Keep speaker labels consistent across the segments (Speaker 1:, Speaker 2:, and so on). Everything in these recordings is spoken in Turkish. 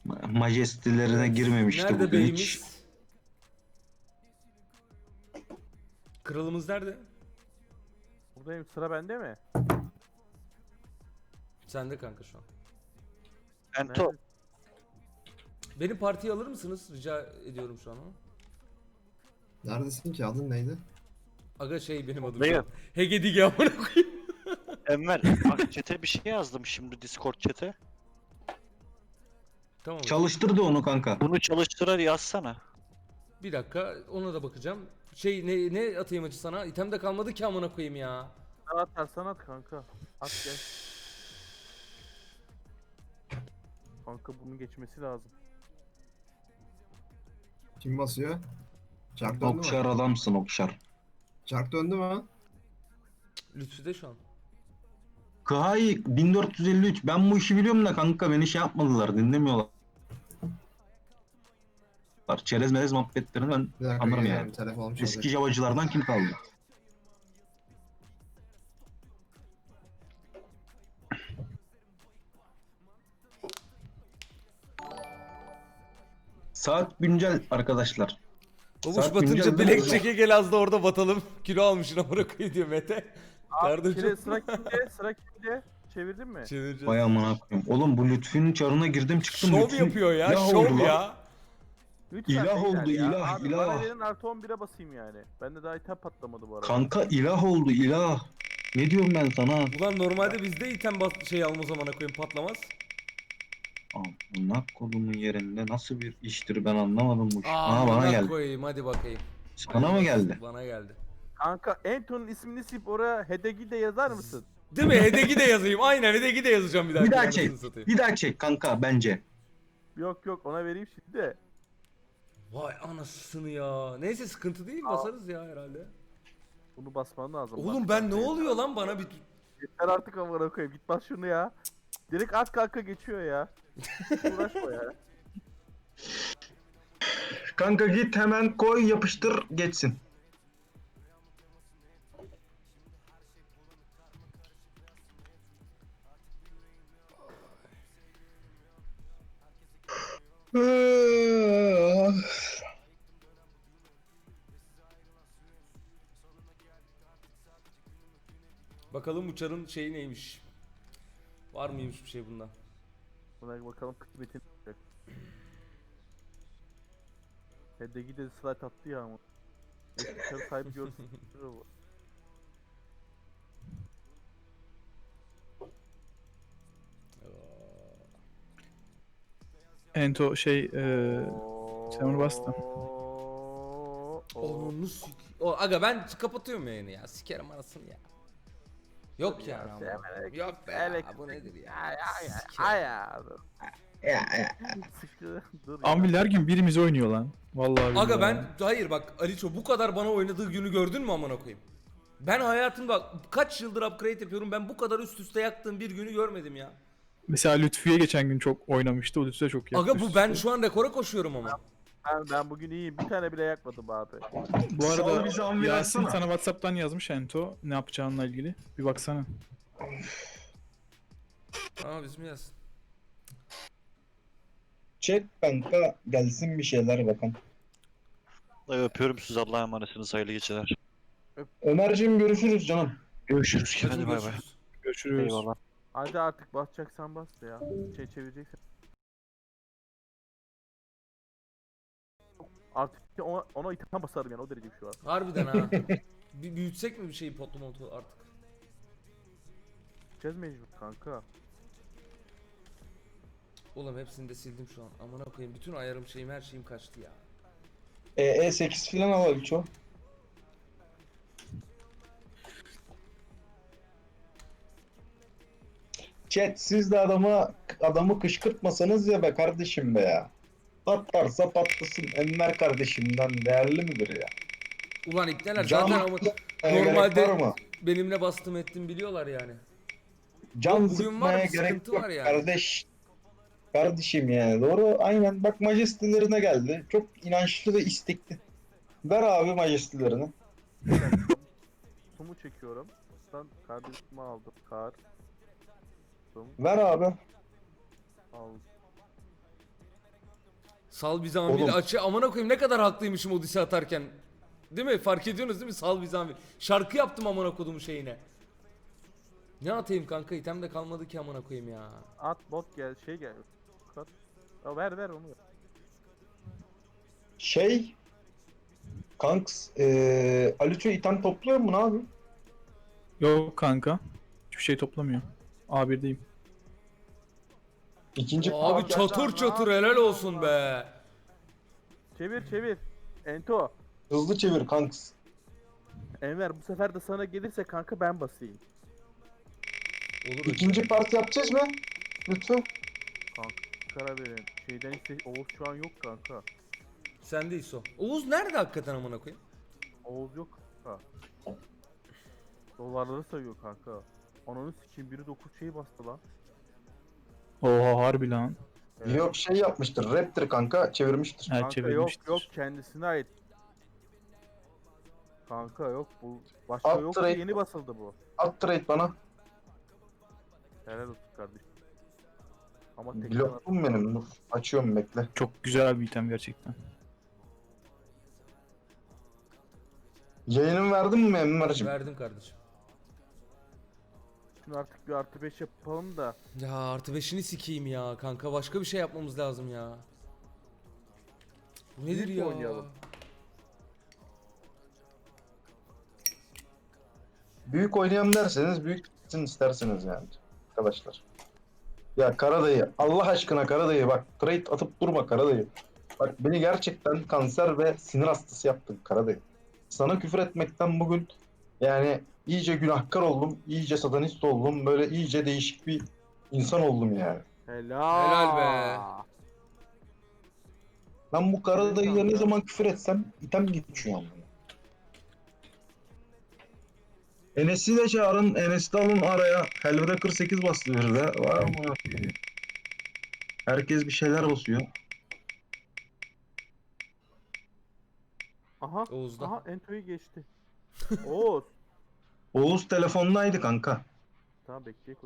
Speaker 1: Majestelerine
Speaker 2: Evet.
Speaker 1: girmemişti
Speaker 2: Nerede
Speaker 1: bugün hiç.
Speaker 2: beyimiz? Kralımız nerede?
Speaker 3: Buradayım, sıra bende mi?
Speaker 2: Sende kanka şu an.
Speaker 4: Ento.
Speaker 3: Nerede?
Speaker 2: Beni partiye alır mısınız? Rica ediyorum şu an ama.
Speaker 5: Neredesin ki? Adın neydi?
Speaker 2: Aga şey benim adım şu
Speaker 4: Beyim.
Speaker 2: an. Hegedige amına koyayım.
Speaker 4: Enver bak chat'e bir şey yazdım şimdi Discord chat'e.
Speaker 2: Tamam.
Speaker 1: Çalıştırdı onu kanka.
Speaker 4: Bunu çalıştırar yazsana.
Speaker 2: Bir dakika ona da bakacağım. Şey ne atayım acı sana? İtem de kalmadı ki amına koyayım ya.
Speaker 3: Sana atarsan at kanka. At gel. Kanka bunun geçmesi lazım.
Speaker 5: Kim basıyor? Çark döndü
Speaker 1: Okşar
Speaker 5: mü?
Speaker 1: adamsın Okşar.
Speaker 5: Çark döndü mü?
Speaker 2: Lütfü de şu an.
Speaker 1: Kıhay 1453. Ben bu işi biliyorum da kanka beni şey yapmadılar. Dinlemiyorlar. Çerez melez muhabbetlerini ben
Speaker 5: Bir dakika
Speaker 1: anlarım
Speaker 5: geliyorum.
Speaker 1: yani.
Speaker 5: Telefonum
Speaker 1: Eski
Speaker 5: çalacak.
Speaker 1: javacılardan kim kaldı? Saat güncel arkadaşlar.
Speaker 2: Babuş
Speaker 1: Saat
Speaker 2: batınca
Speaker 1: güncel
Speaker 2: bilek
Speaker 1: değil mi?
Speaker 2: çeke gel az da orada batalım. Kilo almışsın amına koyayım diyor Mete. Kardeşim.
Speaker 3: Sıra kimde? Sıra kimde? Çevirdin mi?
Speaker 2: Çevireceğiz.
Speaker 1: Vay amına koyayım. Oğlum bu Lütfü'nün çarına girdim çıktım.
Speaker 2: Şov
Speaker 1: Lütfü
Speaker 2: yapıyor ya,
Speaker 1: ilah
Speaker 2: şov
Speaker 1: oldu lan.
Speaker 2: ya.
Speaker 3: Lütfen
Speaker 1: İlah
Speaker 3: beyler
Speaker 1: oldu,
Speaker 3: ya.
Speaker 1: ilah,
Speaker 3: Abi
Speaker 1: ilah.
Speaker 3: bana verin artı 11'e basayım yani. Bende daha item patlamadı bu arada.
Speaker 1: Kanka ilah oldu ilah. Ne diyorum ben sana?
Speaker 2: Ulan normalde bizde item şey alma zamana koyayım patlamaz.
Speaker 1: Amına kolumun yerinde nasıl bir iştir ben anlamadım bu iş. Aha bana
Speaker 2: Amına
Speaker 1: geldi.
Speaker 2: koyayım hadi bakayım.
Speaker 1: Sana mı geldi?
Speaker 2: Bana geldi.
Speaker 3: Kanka Ento'nun ismini silip oraya Hedegi de yazar mısın?
Speaker 2: Değil mi? Hedegi de yazayım. Aynen Hedegi de yazacağım bir daha.
Speaker 1: Bir daha
Speaker 2: Anasını
Speaker 1: çek.
Speaker 2: satayım.
Speaker 1: Bir daha çek kanka bence.
Speaker 3: Yok yok ona vereyim şimdi de.
Speaker 2: Vay anasını ya. Neyse sıkıntı değil basarız ya herhalde.
Speaker 3: Bunu basman lazım.
Speaker 2: Oğlum
Speaker 3: Bas
Speaker 2: ben ne
Speaker 3: kanka.
Speaker 2: oluyor lan bana bir...
Speaker 3: Yeter artık amına koyayım. Git bas şunu ya. Direkt at kanka geçiyor ya. Uğraşma ya.
Speaker 1: Kanka git hemen koy yapıştır geçsin.
Speaker 2: Bakalım uçarın şeyi neymiş. Var mıymış bir şey bundan?
Speaker 3: Buna bakalım kısmetini. Hedegi de slide attı ya ama. Eski sahibi görsün.
Speaker 6: Ento sen onu bas da.
Speaker 2: Onu O aga ben kapatıyorum yayını ya. Sikerim arasını ya. Yok yani ama. Yok be ya, bu nedir ya? Sikerim.
Speaker 3: Dur ya.
Speaker 6: Ambil her gün birimiz oynuyor lan. Vallahi
Speaker 2: Aga
Speaker 6: billahi.
Speaker 2: ben hayır bak Aliço bu kadar bana oynadığı günü gördün mü amına koyayım? Ben hayatımda kaç yıldır upgrade yapıyorum ben bu kadar üst üste yaktığım bir günü görmedim ya.
Speaker 6: Mesela Lütfü'ye geçen gün çok oynamıştı. O Lütfü'ye çok yaptı.
Speaker 2: Aga bu
Speaker 6: üst
Speaker 2: ben
Speaker 6: üste.
Speaker 2: şu an rekora koşuyorum ama.
Speaker 3: Ben bugün iyiyim. Bir tane bile yakmadım abi.
Speaker 6: Bu
Speaker 1: Sal
Speaker 6: arada
Speaker 1: bizi Ambil
Speaker 6: Yasin
Speaker 1: açsana.
Speaker 6: sana Whatsapp'tan yazmış Ento. Ne yapacağınla ilgili. Bir baksana.
Speaker 2: Aa bizim yaz.
Speaker 1: Çek kanka gelsin bir şeyler bakalım.
Speaker 4: Öpüyorum sizi, Allah'a emanetsiniz, hayırlı geceler.
Speaker 1: Ömerciğim görüşürüz canım.
Speaker 4: Görüşürüz.
Speaker 2: Hadi
Speaker 4: Hadi bay bay.
Speaker 2: görüşürüz.
Speaker 6: Görüşürüz.
Speaker 4: Eyvallah.
Speaker 3: Hadi artık basacaksan bas ya. Çevireceksen. Artık ona item basarım yani o derece bir şey var.
Speaker 2: Harbiden ha. Bir büyütsek mi bir şeyi potlu artık?
Speaker 3: Gideceğiz mecbur kanka.
Speaker 2: Oğlum hepsini de sildim şu an. Amına koyayım bütün ayarım şeyim her şeyim kaçtı ya.
Speaker 1: E8 falan al Aliço. Chat siz de adamı kışkırtmasanız ya be kardeşim be ya. Patlarsa patlasın Enver kardeşimden değerli midir ya?
Speaker 2: Ulan ipneler
Speaker 1: Can-
Speaker 2: zaten ama
Speaker 1: Gerek
Speaker 2: normalde
Speaker 1: var mı?
Speaker 2: benimle bastım ettim biliyorlar yani.
Speaker 1: Can
Speaker 2: Bugün var,
Speaker 1: sıkmaya
Speaker 2: bir
Speaker 1: gerek
Speaker 2: sıkıntı
Speaker 1: yok
Speaker 2: var yani.
Speaker 1: kardeş. Kardeşim yani doğru aynen bak majestelerine geldi. Çok inançlı ve istekli. Ver abi majestelerini.
Speaker 3: Sumu çekiyorum. Ben kardeşimi aldım. Kar. Sum
Speaker 1: Ver abi.
Speaker 3: aldım.
Speaker 2: Sal Bizamil
Speaker 1: Oğlum.
Speaker 2: açı amına koyayım ne kadar haklıymışım Odyssey atarken. Değil mi? Fark ediyorsunuz değil mi? Sal Bizamil. Şarkı yaptım amına kodumu şeyine. Ne atayım kanka? İtem de kalmadı ki amına koyayım ya.
Speaker 3: At bot gel şey gel. Kat. Ya ver onu.
Speaker 1: Şey Kanks Aliço item topluyor mu, ne yapayım?
Speaker 6: Yok kanka. Hiçbir şey toplamıyor. A1'deyim.
Speaker 1: İkinci
Speaker 2: Abi
Speaker 3: Aa,
Speaker 2: çatır
Speaker 3: ne
Speaker 2: çatır helal
Speaker 3: yapıyorsun
Speaker 2: olsun
Speaker 3: lan?
Speaker 2: be.
Speaker 3: Çevir. Ento.
Speaker 1: hızlı çevir Kanks.
Speaker 3: Enver bu sefer de sana gelirse kanka ben basayım.
Speaker 2: Olur
Speaker 1: İkinci parti yapacağız mı? Lütfen.
Speaker 3: Kanka karar verin. Şeyden iste Oğuz şu an yok kanka.
Speaker 2: Sendeyiz o. Oğuz nerede hakikaten amına koyayım?
Speaker 3: Oğuz yok kanka. Dolarları sayıyor kanka. Ananı sikeyim biri 9 şey bastı lan.
Speaker 6: Oha harbi lan.
Speaker 3: Evet.
Speaker 1: Yok şey yapmıştır. Raptor kanka çevirmiştir.
Speaker 6: Her
Speaker 3: Kanka
Speaker 6: çevirmiştir.
Speaker 3: yok kendisine ait. Kanka yok bu başka
Speaker 1: Alt
Speaker 3: yok
Speaker 1: trade-
Speaker 3: yeni basıldı bu.
Speaker 1: At trade bana.
Speaker 3: Helal olsun kardeşim. Ama tekrar
Speaker 1: Blokum benim. Dur. Açıyorum, bekle.
Speaker 6: Çok güzel bir item gerçekten.
Speaker 1: Yayının verdin mi Enver'cim?
Speaker 2: Verdim kardeşim.
Speaker 3: Şimdi artık bir artı 5 yapalım da.
Speaker 2: Ya artı 5'ini sikeyim ya kanka başka bir şey yapmamız lazım ya. Bu nedir
Speaker 3: Büyük
Speaker 2: ya?
Speaker 3: oynayalım.
Speaker 1: Büyük oynayalım derseniz büyük gitsin isterseniz yani. Arkadaşlar. Ya Karadayı, Allah aşkına Karadayı bak, trade atıp durma Karadayı. Bak beni gerçekten kanser ve sinir hastası yaptın Karadayı. Sana küfür etmekten bugün yani iyice günahkar oldum, iyice satanist oldum, böyle iyice değişik bir insan oldum yani.
Speaker 3: Helal.
Speaker 2: Helal be.
Speaker 1: Ben bu Karadayı'ya ne
Speaker 3: kanka.
Speaker 1: zaman küfür etsem item geçiyor ama. Enes'i de çağırın, Enes'i de alın araya. Helvete 48 bastı bir de. Var mı? Herkes bir şeyler basıyor.
Speaker 3: Aha.
Speaker 2: Oğuz'da.
Speaker 3: Aha Ento'yu geçti. Oğuz.
Speaker 1: Oğuz telefondaydı kanka.
Speaker 3: Tamam bekleyek o.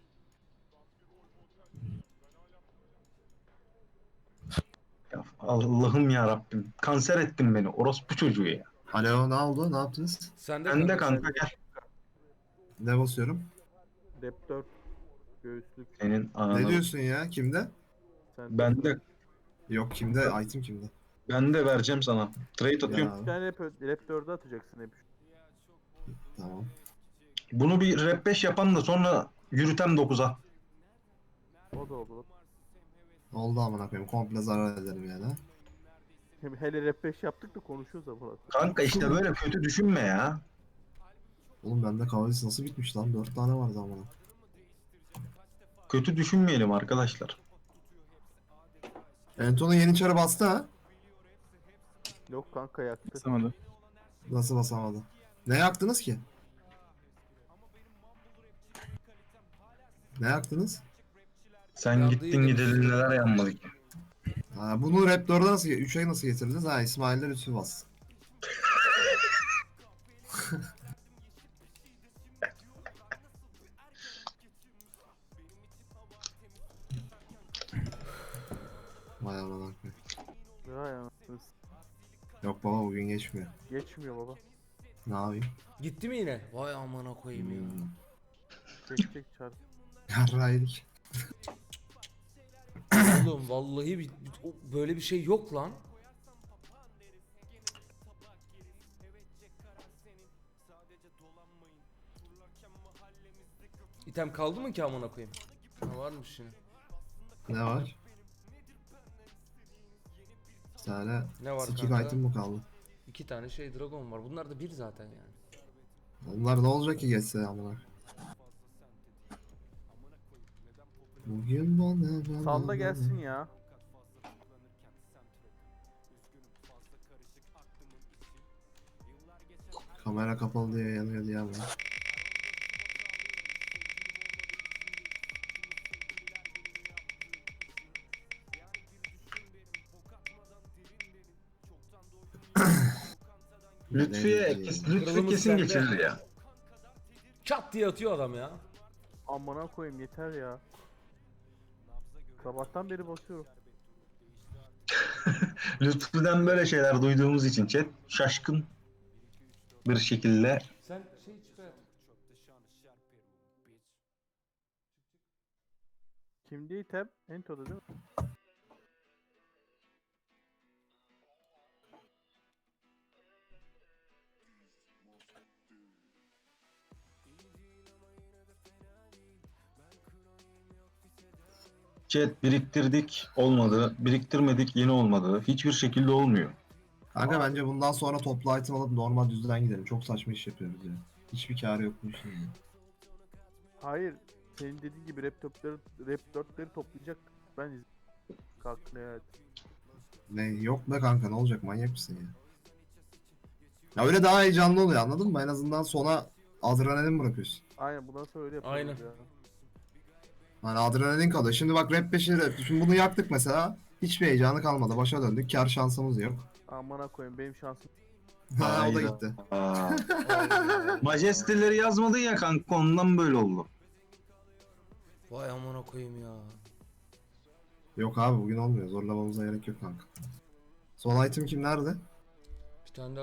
Speaker 1: Ya Allah'ım ya Rabbim. Kanser ettin beni. Orospu çocuğu ya.
Speaker 5: Alo, ne oldu? Ne yaptınız?
Speaker 2: Sende
Speaker 1: Ben de
Speaker 2: kanka.
Speaker 1: kanka gel.
Speaker 5: Ne basıyorum?
Speaker 3: Dep 4 göğüslük.
Speaker 1: Senin
Speaker 5: Ne
Speaker 1: ananı.
Speaker 5: diyorsun ya? Kimde?
Speaker 3: Sen
Speaker 5: Yok kimde? Item kimde?
Speaker 1: Ben de vereceğim sana. Trade atıyorum.
Speaker 5: Ya,
Speaker 3: bir tane rap 4'e atacaksın hep.
Speaker 5: tamam.
Speaker 1: Bunu bir rap 5 yapan da sonra yürütem 9'a.
Speaker 3: O da olur.
Speaker 5: Oldu amına koyayım. Komple zarar ederim yani. Ha?
Speaker 3: Hele rap 5 yaptık da konuşuyoruz da Murat.
Speaker 1: Kanka işte böyle kötü düşünme ya.
Speaker 5: Oğlum bende kahvesi nasıl bitmiş lan? 4 tane vardı amına.
Speaker 1: Kötü düşünmeyelim arkadaşlar.
Speaker 5: Enton'un yeni çarı bastı ha?
Speaker 3: Yok kanka yaktı.
Speaker 6: Basamadı.
Speaker 5: Nasıl basamadı? Ne yaktınız ki? Ne yaktınız?
Speaker 1: Sen
Speaker 2: Yandı
Speaker 1: gittin
Speaker 2: yine.
Speaker 1: gidelim neler yanmadık.
Speaker 5: Ha, bunu Raptor'da nasıl 3 ay nasıl getirdiniz? Ha İsmail'de lütfü bastı. Vay amına koyayım.
Speaker 3: Ya ya.
Speaker 5: Yok baba bugün geçmiyor.
Speaker 3: Geçmiyor baba.
Speaker 5: Ne yapayım?
Speaker 2: Gitti mi yine? Vay amına koyayım ya.
Speaker 3: Çek çar.
Speaker 5: Yarraydık.
Speaker 2: Oğlum vallahi böyle bir şey yok lan. İtem kaldı mı ki amına koyayım? Ha varmış yine.
Speaker 5: Ne var? Bir tane
Speaker 2: Ne var
Speaker 5: skip
Speaker 2: kanka?
Speaker 5: item mı kaldı?
Speaker 2: 2 tane şey dragon var. Bunlar da bir zaten yani.
Speaker 5: Onlar ne olacak ki geçse amına? Bugün bana
Speaker 3: Salla gelsin ya.
Speaker 5: Kamera kapalı diye yanıyor diye ama.
Speaker 1: Lütfiye, Lütfi
Speaker 2: Kralımız
Speaker 1: kesin
Speaker 2: sende.
Speaker 1: geçirir ya.
Speaker 2: Çat diye atıyor adam ya.
Speaker 3: Amına koyayım yeter ya. Sabahtan beri basıyorum.
Speaker 1: Lütfü'den böyle şeyler duyduğumuz için chat şaşkın bir şekilde.
Speaker 2: Sen şey çıkar.
Speaker 3: Kimdi item? Ento'da değil mi?
Speaker 1: Chat biriktirdik olmadı, biriktirmedik yine olmadı. Hiçbir şekilde olmuyor.
Speaker 5: Kanka bence bundan sonra toplu item alıp normal düzden gidelim. Çok saçma iş yapıyoruz ya. Hiçbir kârı yok bu işin ya.
Speaker 3: Hayır. Senin dediğin gibi rap 4'leri toplayacak. Ben kalktım evet.
Speaker 5: Ne yok be kanka, ne olacak, manyak mısın ya? Ya öyle daha heyecanlı oluyor, anladın mı? En azından sona adrenalin bırakıyorsun.
Speaker 3: Aynen bundan sonra öyle yapıyoruz
Speaker 2: Aynen.
Speaker 3: ya.
Speaker 5: Hani adrenalin kalıyor. Şimdi bak rap 5'i rap. Şimdi bunu yaktık mesela. Hiçbir heyecanı kalmadı. Başa döndük. Kar şansımız yok.
Speaker 3: Amına koyayım benim şansım.
Speaker 5: Ha, o da
Speaker 1: Hayda.
Speaker 5: gitti.
Speaker 1: Majesteleri yazmadın ya kanka, ondan böyle oldu.
Speaker 2: Vay amına koyayım ya.
Speaker 5: Yok abi, bugün olmuyor. Zorlamamıza gerek yok kanka. Son item kim nerede?
Speaker 2: Bir tane daha